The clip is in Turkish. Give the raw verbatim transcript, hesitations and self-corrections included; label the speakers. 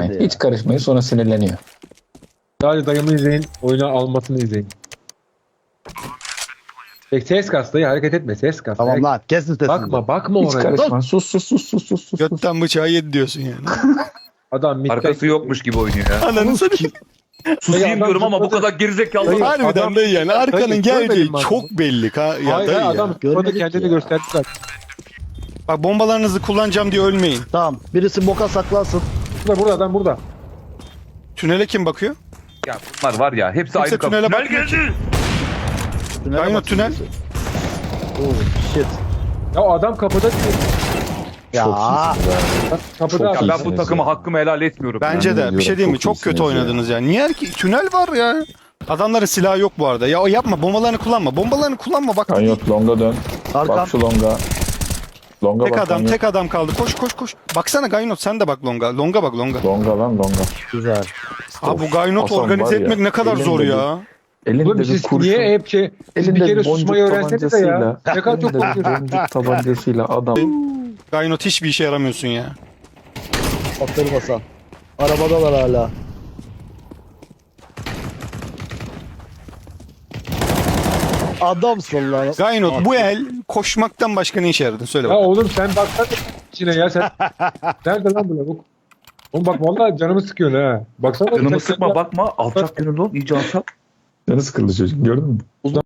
Speaker 1: ya.
Speaker 2: Hiç karışmayın, sonra sinirleniyor.
Speaker 3: Sadece dayımı izleyin. Oyunu almasını izleyin. Bek ses kas dayı, hareket etme, ses kas.
Speaker 1: Tamam lan kesin sesini.
Speaker 3: Bakma bakma
Speaker 2: Hiç
Speaker 3: oraya.
Speaker 2: karışma. Sus sus sus sus sus sus.
Speaker 4: Götten bıçağı yedi diyorsun yani.
Speaker 3: Adam mitte.
Speaker 5: Arkası yokmuş gibi oynuyor ya.
Speaker 4: Ananı satayım.
Speaker 5: Susayım
Speaker 3: adam
Speaker 5: diyorum ama bu
Speaker 3: zıpladı.
Speaker 5: kadar gerizekalı.
Speaker 3: Dayı,
Speaker 4: Harbiden
Speaker 3: adam-
Speaker 4: dayı yani arkanın
Speaker 3: Dayı,
Speaker 4: geleceği
Speaker 3: görmedin mi
Speaker 4: çok
Speaker 3: adamı?
Speaker 4: belli. Ha, ya
Speaker 3: Hayır
Speaker 4: dayı ya.
Speaker 3: adam zıpladı,
Speaker 1: Görmedik
Speaker 3: kendini
Speaker 1: ya.
Speaker 3: gösterdi zaten.
Speaker 4: Bak bombalarınızı kullanacağım diye ölmeyin.
Speaker 1: Tamam birisi boka saklansın.
Speaker 3: Burada burada adam burada.
Speaker 4: Tünele kim bakıyor?
Speaker 5: Ya bunlar var ya hepsi aynı kapı.
Speaker 4: tünele
Speaker 5: Tünel
Speaker 4: bakmıyor
Speaker 5: geldi.
Speaker 1: Tünele
Speaker 4: Dayı
Speaker 1: baksın
Speaker 4: tünel.
Speaker 1: birisi. Oh shit.
Speaker 3: Ya adam kapıda
Speaker 1: Ya.
Speaker 2: Çok iyisin be.
Speaker 3: kapıda
Speaker 2: Çok
Speaker 3: adam.
Speaker 5: Ya ben
Speaker 2: İyisiniz
Speaker 5: bu takımı
Speaker 2: ya.
Speaker 5: hakkımı helal etmiyorum.
Speaker 4: Bence
Speaker 2: Ben
Speaker 4: de
Speaker 2: de
Speaker 4: bir şey
Speaker 2: diyorum,
Speaker 4: değil mi?
Speaker 2: çok
Speaker 4: Çok kötü
Speaker 2: iyisiniz ya.
Speaker 4: oynadınız yani. Niye ki tünel var ya? Adamların silahı yok bu arada. Ya yapma bombalarını kullanma. Bombalarını kullanma bak.
Speaker 2: Kan yok, longa dön.
Speaker 1: Arkam.
Speaker 2: Bak şu longa. Longa
Speaker 4: Tek
Speaker 2: bak.
Speaker 4: adam,
Speaker 2: Kan
Speaker 4: tek adam kaldı. Koş koş koş. Baksana Gaynot sen de bak longa. Longa bak longa.
Speaker 2: yok. Longa lan longa.
Speaker 1: Güzel.
Speaker 4: Abi bu Gaynot
Speaker 2: Hasan
Speaker 4: organize
Speaker 2: var ya,
Speaker 4: etmek ne kadar zor
Speaker 2: elinde
Speaker 4: ya.
Speaker 2: Elinde
Speaker 3: Oğlum
Speaker 2: bir
Speaker 3: siz
Speaker 2: kurşun.
Speaker 3: niye hep şey siz bir
Speaker 2: Elinde
Speaker 3: kere
Speaker 2: boncuk
Speaker 3: susmayı öğrenseniz de ya.
Speaker 2: tabancasıyla.
Speaker 3: Ne kadar çok
Speaker 2: Elinde
Speaker 3: konuşuyorsun.
Speaker 2: boncuk tabancasıyla adam.
Speaker 4: Gaynot hiçbir işe yaramıyorsun ya.
Speaker 1: Aferin Hasan. Arabadalar hala. Adamsın lan.
Speaker 4: Gaynot bu el koşmaktan başka ne işe yaradın? Söyle
Speaker 3: Ya
Speaker 4: bak.
Speaker 3: oğlum sen baksana içine ya sen. Nerede lan bu lavuk? Oğlum bak vallahi canımı sıkıyorsun ha. Baksana.
Speaker 5: Canımı
Speaker 3: sen-
Speaker 5: sıkma bakma. Alçak gönüllü ol. İyice alçak.
Speaker 2: Canı sıkıldı çocuk, gördün mü?